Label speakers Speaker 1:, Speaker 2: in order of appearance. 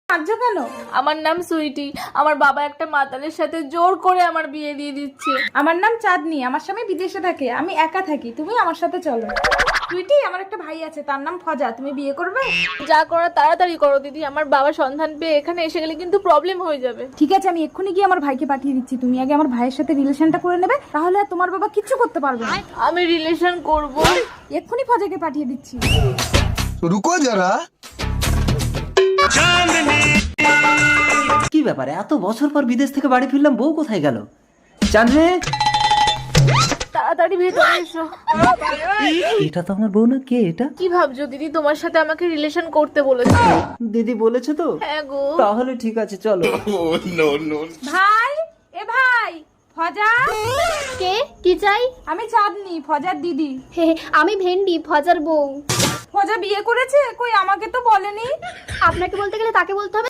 Speaker 1: কাঁদছো কেন?
Speaker 2: আমার নাম সুইটি, আমার বাবা একটা মাতালের সাথে জোর করে আমার বিয়ে দিয়ে দিচ্ছে।
Speaker 1: আমার নাম চাঁদনি, আমার স্বামী বিদেশে থাকে, আমি একা থাকি, তুমি আমার সাথে চলো। সুইটি, আমার একটা ভাই আছে, তার নাম ফজা, তুমি বিয়ে করবে?
Speaker 2: যা করার তাড়াতাড়ি করো দিদি, আমার বাবা সন্ধান পেয়ে এখানে এসে গেলে কিন্তু প্রবলেম হয়ে যাবে।
Speaker 1: ঠিক আছে, আমি এক্ষুনি গিয়ে আমার ভাইকে পাঠিয়ে দিচ্ছি, তুমি আগে আমার ভাইয়ের সাথে রিলেশনটা করে নেবে, তাহলে আর তোমার বাবা কিচ্ছু করতে পারবে না।
Speaker 2: আমি রিলেশন করব।
Speaker 1: এক্ষুনি ফজাকে পাঠিয়ে দিচ্ছি।
Speaker 3: रुको जरा।
Speaker 4: কি ব্যাপারে এত বছর পর বিদেশ থেকে বাড়ি ফিরলাম, বউ কোথায় গেল? চাঁদনি,
Speaker 2: তাড়াতাড়ি ভেতরে এসো।
Speaker 4: এটা তো আমার বউ না, কে এটা?
Speaker 2: কি ভাবছো দিদি, তোমার সাথে আমাকে রিলেশন করতে বলেছে।
Speaker 4: দিদি বলেছে তো?
Speaker 2: হ্যাঁ গো।
Speaker 4: তাহলে ঠিক আছে, চলো।
Speaker 1: ভাই, এ ভাই, ফজা।
Speaker 5: কে? কি চাই?
Speaker 1: আমি চাঁদনি, ফজার দিদি।
Speaker 5: হে হে, আমি ভেন্ডি, ফজার বউ।
Speaker 1: ফজা বিয়ে করেছে? কই আমাকে তো বলেনি।
Speaker 5: আপনাকে বলতে গেলে তাকে বলতে হবে।